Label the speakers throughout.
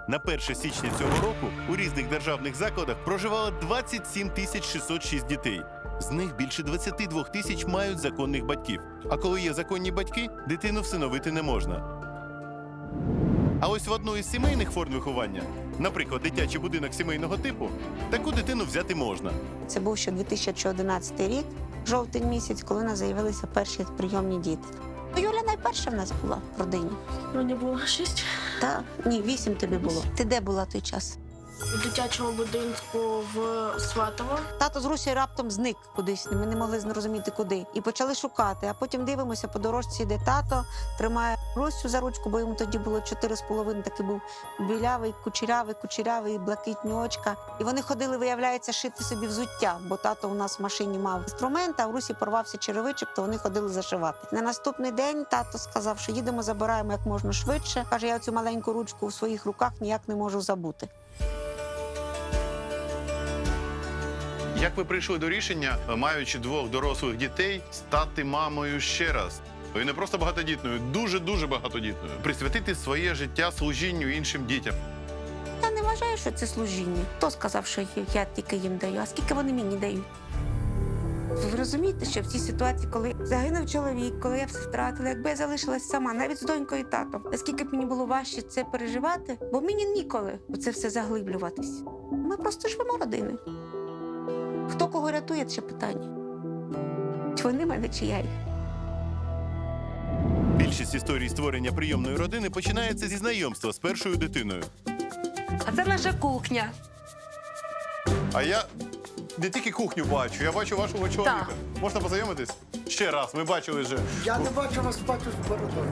Speaker 1: На 1 січня цього року у різних державних закладах проживало 27 606 дітей. З них більше 22 тисяч мають законних батьків. А коли є законні батьки, дитину всиновити не можна. А ось в одну із сімейних форм виховання, наприклад, дитячий будинок сімейного типу, таку дитину взяти можна.
Speaker 2: Це був ще 2011 рік, жовтень місяць, коли у нас з'явилися перші прийомні діти. Юля найперша в нас була в родині.
Speaker 3: Мені було 6.
Speaker 2: Так, ні, 8 тобі було. Ти де була той час?
Speaker 3: У дитячому будинку в Сватово.
Speaker 2: Тато з Русі раптом зник кудись, ми не могли зрозуміти куди. І почали шукати, а потім дивимося, по дорожці йде тато, тримає Русю за ручку, бо йому тоді було 4,5, такий був білявий, кучерявий, блакитні очка. І вони ходили, виявляється, шити собі взуття, бо тато у нас в машині мав інструмент, а в Русі порвався черевичок, то вони ходили зашивати. На наступний день тато сказав, що їдемо, забираємо як можна швидше. Каже, я цю маленьку ручку в своїх руках ніяк не можу забути.
Speaker 4: Як ви прийшли до рішення, маючи 2 дорослих дітей, стати мамою ще раз? І не просто багатодітною, дуже-дуже багатодітною. Присвятити своє життя служінню іншим дітям.
Speaker 2: Я не вважаю, що це служіння. Хто сказав, що я тільки їм даю, а скільки вони мені дають? Ви розумієте, що в цій ситуації, коли загинув чоловік, коли я все втратила, якби я залишилась сама, навіть з донькою і татом, наскільки б мені було важче це переживати, бо мені ніколи у це все заглиблюватись. Ми просто живемо родиною. Хто кого рятує, це питання. Чи вони мене, чи я їх?
Speaker 1: Більшість історій створення прийомної родини починається зі знайомства з першою дитиною.
Speaker 5: А це наша кухня.
Speaker 4: А я не тільки кухню бачу, я бачу вашого чоловіка. Можна познайомитись? Ще раз, ми бачили вже.
Speaker 6: Я не бачу вас, бачу з бородою.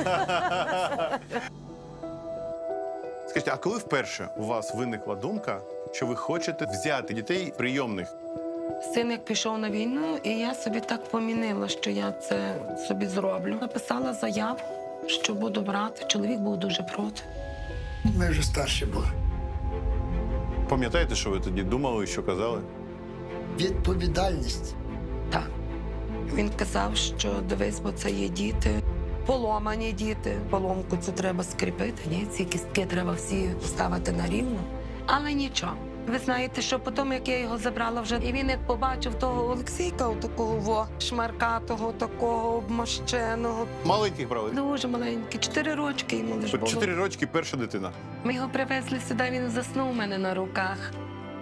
Speaker 4: Скажіть, а коли вперше у вас виникла думка, що ви хочете взяти дітей прийомних?
Speaker 5: Син як пішов на війну, і я собі так помінила, що я це собі зроблю. Написала заяву, що буду брати. Чоловік був дуже проти.
Speaker 6: Ми вже старші були.
Speaker 4: Пам'ятаєте, що ви тоді думали, що казали?
Speaker 6: Відповідальність.
Speaker 5: Так. Він казав, що дивись, бо це є діти, поломані діти. Поломку цю треба скріпити, ні? Ці кістки треба всі ставити на рівно. Але нічого. Ви знаєте, що потім, як я його забрала вже, і він як побачив того Олексійка, такого шмаркатого, такого обмощеного.
Speaker 4: Маленьких брали?
Speaker 5: Дуже маленький, 4 рочки йому лише
Speaker 4: От
Speaker 5: було.
Speaker 4: 4 рочки перша дитина.
Speaker 5: Ми його привезли сюди, він заснув у мене на руках.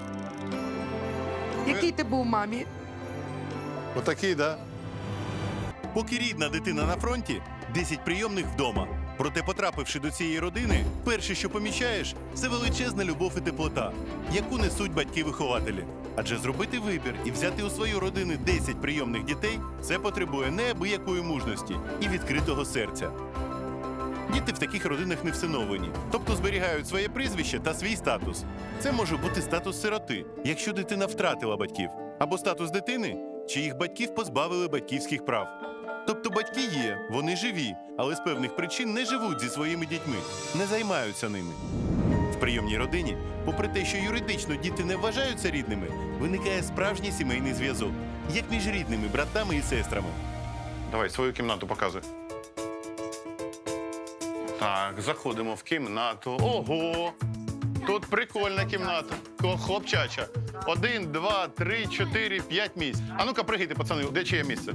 Speaker 5: Який ти був, мамі?
Speaker 4: Отакий, так?
Speaker 1: Поки рідна дитина на фронті, 10 прийомних вдома. Проте, потрапивши до цієї родини, перше, що помічаєш, це величезна любов і теплота, яку несуть батьки-вихователі. Адже зробити вибір і взяти у свою родину 10 прийомних дітей – це потребує неабиякої мужності і відкритого серця. Діти в таких родинах не всиновлені, тобто зберігають своє прізвище та свій статус. Це може бути статус сироти, якщо дитина втратила батьків, або статус дитини, чиїх батьків позбавили батьківських прав. Тобто батьки є, вони живі, але з певних причин не живуть зі своїми дітьми, не займаються ними. В прийомній родині, попри те, що юридично діти не вважаються рідними, виникає справжній сімейний зв'язок, як між рідними братами і сестрами.
Speaker 4: Давай, свою кімнату показуй. Так, заходимо в кімнату. Ого! Тут прикольна кімната. Хлопчача. 1, 2, 3, 4, 5 місць. А ну-ка, пригайте, пацани, де чиє місце?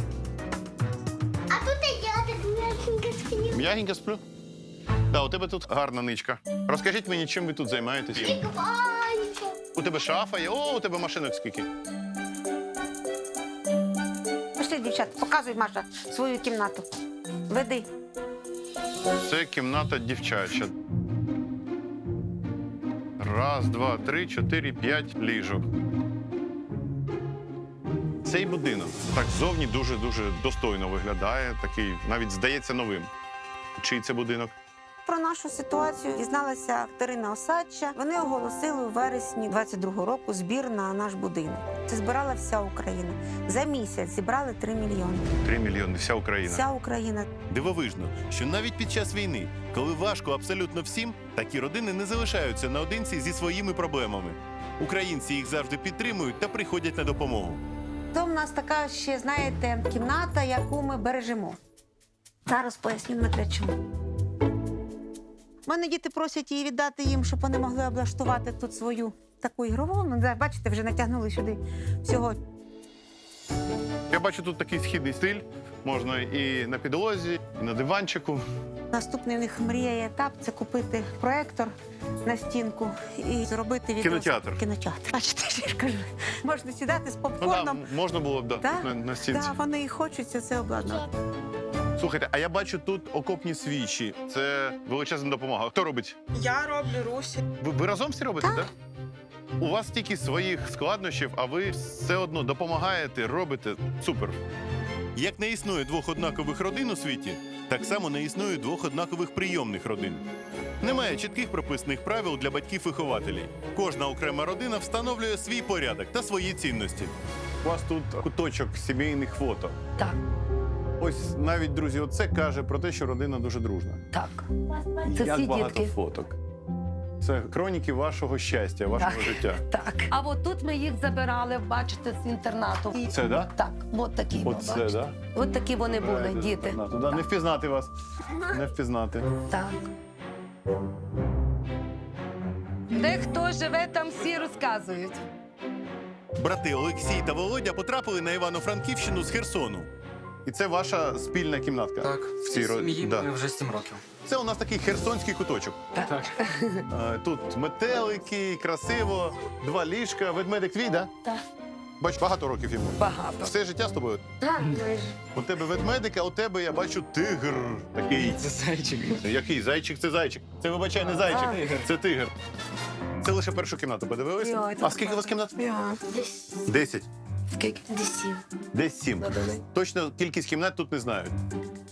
Speaker 7: А тут і я так м'якенько сплю.
Speaker 4: М'ягенько сплю? Так, у тебе тут гарна ничка. Розкажіть мені, чим ви тут займаєтесь?
Speaker 7: І купаюся.
Speaker 4: У тебе шафа є? О, у тебе машинок скільки?
Speaker 2: Пішли, дівчата, показуй, Маша, свою кімнату. Веди.
Speaker 4: Це кімната дівчача. 1, 2, 3, 4, 5 ліжок. Цей будинок так ззовні дуже-дуже достойно виглядає. Такий, навіть здається, новим. Чий це будинок?
Speaker 2: Про нашу ситуацію дізналася Катерина Осадча. Вони оголосили у вересні 22-го року збір на наш будинок. Це збирала вся Україна. За місяць зібрали 3 мільйони.
Speaker 4: 3 мільйони, вся Україна.
Speaker 2: Вся Україна.
Speaker 1: Дивовижно, що навіть під час війни, коли важко абсолютно всім, такі родини не залишаються наодинці зі своїми проблемами. Українці їх завжди підтримують та приходять на допомогу.
Speaker 2: То в нас така ще, знаєте, кімната, яку ми бережемо. Зараз поясню, Дмитре, чому. У мене діти просять її віддати їм, щоб вони могли облаштувати тут свою таку ігрову. Ну, да, бачите, вже натягнули сюди всього.
Speaker 4: Я бачу тут такий східний стиль. Можна і на підлозі, і на диванчику.
Speaker 2: Наступний у них мрія і етап це купити проектор на стінку і зробити
Speaker 4: Кінотеатр.
Speaker 2: Кінотеатр. Бачите, я ж кажу, можна сідати з
Speaker 4: Ну,
Speaker 2: попкорном.
Speaker 4: да, можна було б
Speaker 2: Да,
Speaker 4: на стінці.
Speaker 2: Да, вони і хочуть це обладнати.
Speaker 4: Слухайте, а я бачу тут окопні свічі. Це величезна допомога. Хто робить?
Speaker 8: Я роблю Русі.
Speaker 4: Ви разом всі робите, так? У вас стільки своїх складнощів, а ви все одно допомагаєте, робите. Супер.
Speaker 1: Як не існує двох однакових родин у світі, так само не існує двох однакових прийомних родин. Немає чітких прописаних правил для батьків-вихователів. Кожна окрема родина встановлює свій порядок та свої цінності.
Speaker 4: У вас тут куточок сімейних фото.
Speaker 5: Так,
Speaker 4: Ось навіть, друзі, оце каже про те, що родина дуже дружна.
Speaker 5: так. Це
Speaker 4: Як
Speaker 5: всі
Speaker 4: багато
Speaker 5: дітки.
Speaker 4: фоток. Це хроніки вашого щастя, вашого
Speaker 5: Так.
Speaker 4: життя.
Speaker 5: Так. А от тут ми їх забирали, бачите, з інтернату.
Speaker 4: Це, да?
Speaker 5: Так, от такі.
Speaker 4: Оце,
Speaker 5: бачите.
Speaker 4: да?
Speaker 5: От такі вони були,
Speaker 4: Правильно,
Speaker 5: діти.
Speaker 4: інтернату, да? Не впізнати вас. Не впізнати.
Speaker 5: Так. Де хто живе, там всі розказують.
Speaker 1: Брати Олексій та Володя потрапили на Івано-Франківщину з Херсону.
Speaker 4: І це ваша спільна кімнатка?
Speaker 9: Так,
Speaker 4: В
Speaker 9: в
Speaker 4: цій
Speaker 9: цій сім'ї
Speaker 4: да.
Speaker 9: ми вже 7 років.
Speaker 4: Це у нас такий херсонський куточок.
Speaker 9: Так.
Speaker 4: Тут метелики, красиво, 2 ліжка. Ведмедик твій, да?
Speaker 5: Так.
Speaker 4: Бач, багато років йому.
Speaker 5: Багато.
Speaker 4: Все життя з тобою.
Speaker 5: Так, майже.
Speaker 4: У тебе ведмедик, а у тебе я бачу тигр. Такий.
Speaker 9: Це зайчик.
Speaker 4: Який? Зайчик це зайчик. Це, вибачай, не зайчик, це тигр. Це лише першу кімнату подивилися?
Speaker 5: Йой,
Speaker 4: А скільки у вас кімнат?
Speaker 3: Десь
Speaker 4: 10.
Speaker 5: Скільки?
Speaker 3: десь 7.
Speaker 4: Десь 7.
Speaker 5: Надали.
Speaker 4: Точно кількість кімнат тут не знають.